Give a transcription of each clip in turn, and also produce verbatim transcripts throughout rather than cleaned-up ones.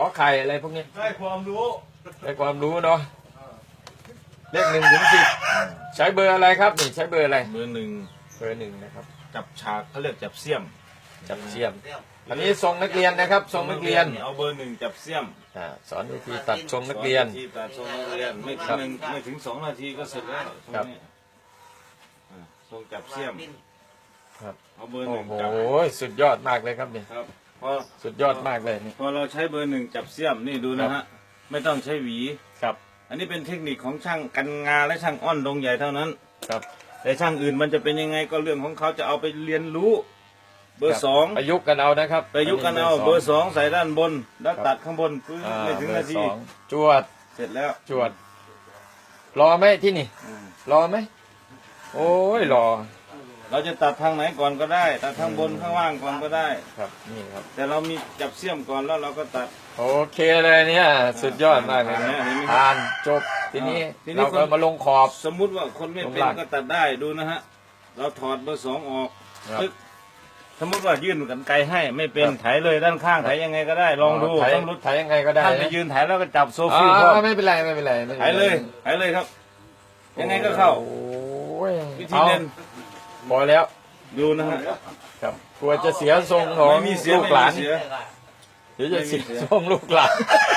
ไข่อะไรพวกนี้ได้ความรู้ได้ความรู้เนาะเลขหนึ่งถึงสิบใช้เบอร์อะไรครับนี่ใช้เบอร์อะไรเบอร์หนึ่งเบอร์หนึ่งนะครับจับฉากเขาเรียกจับเสี้ยมจับเสี้ยมอันนี้ทรงนักเรียนนะครับทรงนักเรียนเอาเบอร์หนึ่งจับเสี้ยมอ่าสอนวิธีตัดทรงนักเรียนที่ตัดทรงนักเรียนไม่ถึงหนึ่งไม่ถึงสองนาทีก็เสร็จแล้วครับทรงจับเสี้ยมครับเอาเบอร์หนึ่งจับโอ้โหสุดยอดมากเลยครับนี่ครับพอสุดยอดมากเลยนี่พอเราใช้เบอร์หนึ่งจับเสี้ยมนี่ดูนะฮะไม่ต้องใช้หวีครับอันนี้เป็นเทคนิคของช่างกันงาและช่างอ้อนดงใหญ่เท่านั้นครับแต่ช่างอื่นมันจะเป็นยังไงก็เรื่องของเขาจะเอาไปเรียนรู้เบอร์สองประยุกต์กันเอานะครับประยุกต์กันเอาเบอร์สองใส่ด้านบนแล้วตัดข้างบนพื้นไม่ถึงนาทีจวดเสร็จแล้วจวดรอไหมที่นี่รอไหมโอ้ยรอเราจะตัดทางไหนก่อนก็ได้ตัดทางบนข้างล่างก่อนก็ได้ครับนี่ครับแต่เรามีจับเสี้ยมก่อนแล้วเราก็ตัดโอเคเลยเนี่ยสุดยอดมากเลยทานจบทีนี้เราก็มาลงขอบสมมุติว่าคนไม่เป็นก็ตัดได้ดูนะฮะเราถอดเบอร์สองออกปึ๊กสมมติว่ายื่นกันไกลให้ไม่เป็นไถเลยด้านข้างไถยังไงก็ได้ลองดูต้องรุดไถยังไงก็ได้ท่านไปยืนไถแล้วก็จับโซฟี่ไม่เป็นไรไม่เป็นไรไถเลยไถเลยครับยังไงก็เข้าวิธีเล่นพอแล้วดูนะฮะครับกลัวจะเสียทรงของลูกหลานเดี๋ยวจะเสียทรงลูกหลาน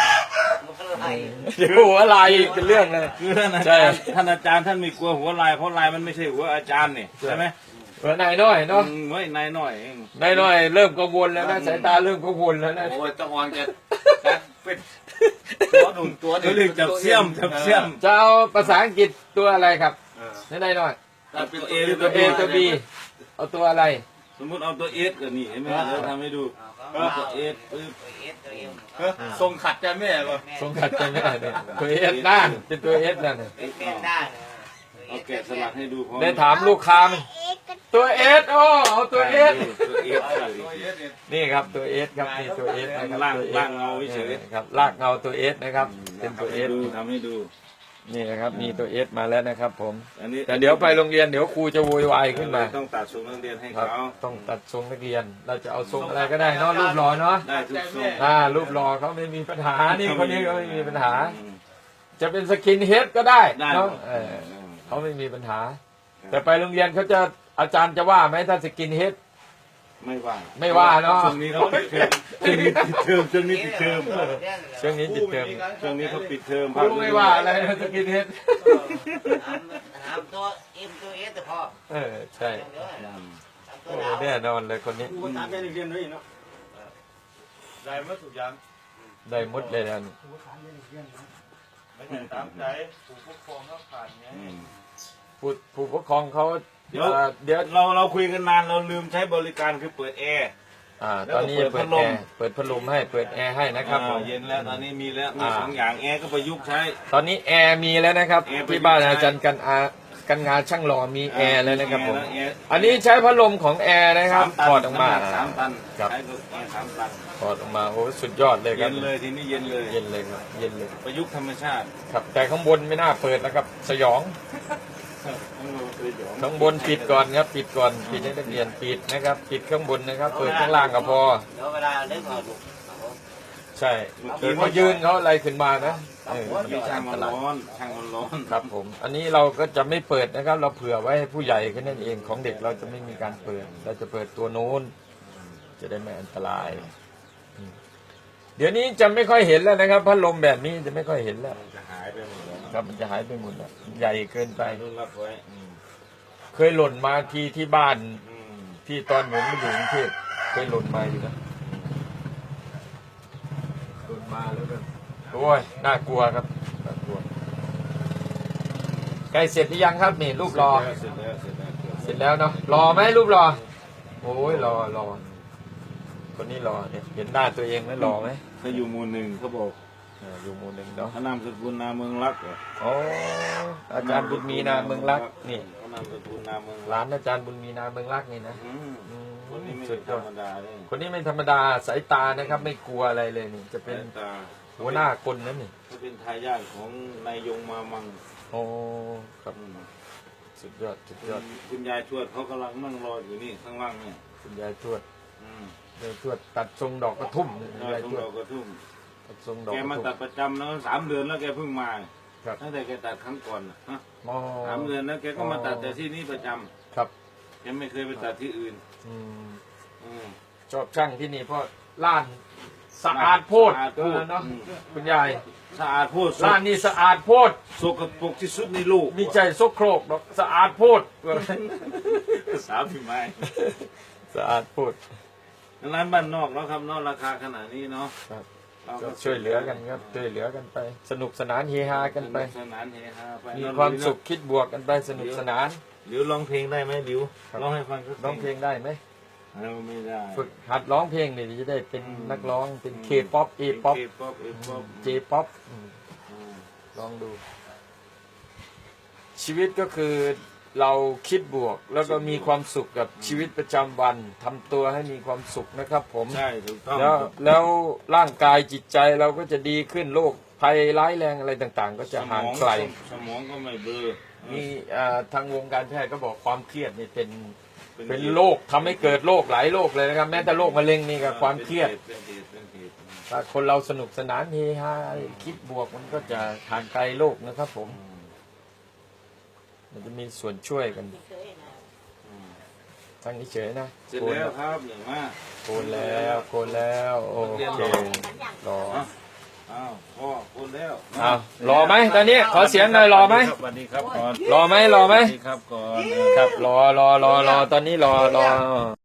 หัวลายเป็นเรื่องเลยคือท่านอาจารย์ท่านอาจารย์ท่านไม่กลัวหัวลายเพราะลายมันไม่ใช่หัวอาจารย์นี่ใช่ไหมหัวนายน้อยเนาะไม่นายน้อยเองนายน้อยเริ่มกังวลแล้วนะสายตาเริ่มกังวลแล้วนะโอ้ยต้องวางจะเป็นตัวหนุนตัวเรียกจับเสี้ยมจับเสี้ยมจะเอาภาษาอังกฤษตัวอะไรครับนายน้อยตัวเอตัวเอตัวบีเอาตัวอะไรสมมุติเอาตัวเอสก็นี่เห็นไหมเราทำให้ดูตัวเอสทรงขัดใจแม่ป่ะทรงขัดใจแม่เนี่ยตัวเอสด้านเป็นตัวเอสนั่นเนี่ยเอาแกะสลักให้ดูพร้อมได้ถามลูกค้าไหมตัวเอสโอ้เอาตัวเอสนี่ครับตัวเอสครับนี่ตัวเอสนะครับล่างล่างเงาเฉยครับลากเงาตัวเอสนะครับเป็นตัวเอสทำให้ดูนี่นะครับมีตัวเอสมาแล้วนะครับผมแต่เดี๋ยวไปโรงเรียนเดี๋ยวครูจะโวยวายขึ้นมาต้องตัดทรงนักเรียนให้เขาต้องตัดทรงนักเรียนเราจะเอาทรงอะไรก็ได้เนาะรูปหล่อเนาะได้ทุกทรงอ่ารูปหล่อเขาไม่มีปัญหานี่คนนี้ก็ไม่มีปัญหาจะเป็นสกินเฮดก็ได้เนาะเขาไม่มีปัญหาแต่ไปโรงเรียนเขาจะอาจารย์จะว่าไหมถ้าสกินเฮดไม่ว่าไม่ว่าเนาะช่วงนี้เขาปิดเทอมช่วงนี้ปิดเทอมช่วงนี้ปิดเทอมช่วงนี้ปิดเทอมช่วงนี้เขาปิดเทอมไม่ว่าอะไรนะสกินเฮดถามตัวเอ็มตัวเอสแต่พอเออใช่แน่นอนเลยคนนี้ครูถามแม่เรียนด้วยเนาะได้หมดทุกอย่างได้หมดเลยนะไม่ใช่ตามใจผู้ปกครองเขาผ่านไงผู้ผู้ปกครองเขาเดี๋ยวเดี๋ยวเราเราคุยกันนานเราลืมใช้บริการคือเปิดแอร์อ่าตอนนี้เปิดแอร์เปิดพัดลมให้เปิดแอร์ให้นะครับเย็นแล้วตอนนี้มีแล้วมีสองอย่างแอร์ก็ประยุกต์ใช้ตอนนี้แอร์มีแล้วนะครับที่บ้านอาจารย์กันอากันงานช่างหล่อมีแอร์แล้วนะครับผมอันนี้ใช้พัดลมของแอร์นะครับถอดออกมาสามตันครับถอดออกมาโอ้สุดยอดเลยครับเย็นเลยทีนี้เย็นเลยเย็นเลยครับเย็นเลยประยุกต์ธรรมชาติครับแต่ข้างบนไม่น่าเปิดนะครับสยองข้างบนปิดก่อนครับปิดก่อนปิดให้นักเรียนปิดนะครับปิดข้างบนนะครับเปิดข้างล่างก็พอใช่เกิดเขายืนเขาอะไรขึ้นมานะช่างมันร้อนช่างมันร้อนครับผมอันนี้เราก็จะไม่เปิดนะครับเราเผื่อไว้ให้ผู้ใหญ่แค่นั้นเองของเด็กเราจะไม่มีการเปิดเราจะเปิดตัวโน้นจะได้ไม่อันตรายเดี๋ยวนี้จะไม่ค่อยเห็นแล้วนะครับพัดลมแบบนี้จะไม่ค่อยเห็นแล้วจะหายไปหมดแล้วครับมันจะหายไปหมดแล้วใหญ่เกินไปเคยหล่นมาทีที่บ้านที่ตอนผมมาอยู่กรุงเทพเคยหล่นมาอยู่นะหล่นมาแล้วก็โอ้ยน่ากลัวครับน่ากลัวใกล้เสร็จหรือยังครับนี่รูปรอเสร็จแล้วเสร็จแล้วเนาะรอไหมรูปรอโอ้ยรอรอคนนี้รอเนี่ยเห็นหน้าตัวเองไหมรอไหมเขาอยู่หมู่หนึ่งเขาบอกอยู่หมู่หนึ่งเนาะเขานามสกุลนาเมืองรักอ๋ออาจารย์บุญมีนาเมืองรักนี่เขานามสกุลนาเมืองร้านอาจารย์บุญมีนาเมืองรักนี่นะคนนี้ไม่ธรรมดาเลยคนนี้ไม่ธรรมดาสายตานะครับไม่กลัวอะไรเลยนี่จะเป็นหัวหน้าคนนั่นนี่เขาเป็นทายาทของนายยงมามังโอ้ครับสุดยอดสุดยอดคุณยายทวดเขากำลังนั่งรออยู่นี่ข้างล่างเนี่ยคุณยายทวดยายทวดตัดทรงดอกกระทุ่มยายทวดดอกกระทุ่มโทรงดอกแกมาตัดประจำแล้วสามเดือนแล้วแกเพิ่งมาครับตั้งแต่แกตัดครั้งก่อนน่ะฮะมอสามเดือนแล้วแกก็มาตัดแต่ที่นี่ประจำครับแกไม่เคยไปตัดที่อื่นอืมอืมชอบช่างที่นี่เพราะล้านสะอาดโพดสะอาดโพดเนาะอืมคุณยายสะอาดโพดร้านนี้สะอาดโพดสกปรกที่สุดในโลกมีใจซกโครกดอกสะอาดโพดสาวพี่ไม้สะอาดโพดร้านบ้านนอกแล้วครับเนอกราคาขนาดนี้เนาะครับเราก็ช่วยเหลือกันครับช่วยเหลือกันไป สนุกสนานเฮฮากันไปสนุกสนานเฮฮาไปมีความสุขคิดบวกกันไปสนุกสนานหลิวร้องเพลงได้ไหมหลิวครับร้องให้ฟังสักร้องเพลงได้ไหมเราไม่ได้ฝึกหัดร้องเพลงนี่จะได้เป็นนักร้องเป็นเคป๊อปเอป๊อปเคป๊อปเอป๊อปเจป๊อปลองดู ชีวิตก็คือเราคิดบวก แล้วก็มีความสุขกับชีวิตประจำวันทำตัวให้มีความสุขนะครับผมใช่ถูกต้องแล้วแล้วร่างกายจิตใจเราก็จะดีขึ้นโรคภัยร้ายแรงอะไรต่างๆ ก็จะห่างไกลสมองก็ไม่เบลอมีอ่าทางวงการแพทย์ก็บอกความเครียดนี่เป็นเป็นเป็นโรคทำให้เกิดโรคหลายโรคเลยนะครับ แม้แต่โรคมะเร็งนี่ก็ความเครียดเป็นเหตุเป็นเหตุถ้าคนเราสนุกสนานเฮฮาคิดบวกมันก็จะห่างไกลโรคนะครับผม มันจะมีส่วนช่วยกันทางนี้เฉยนะเสร็จโกนแล้วครับหนึ่งมาโกนแล้วโกนแล้วโอเครออ้าวพ่อคนแล้วอ้าวรอไหมตอนนี้ขอเสียงหน่อยรอไหมสวัสดีครับก่อนรอไหมรอไหมสวัสดีครับก่อนครับรอรอรอรอตอนนี้รอรอ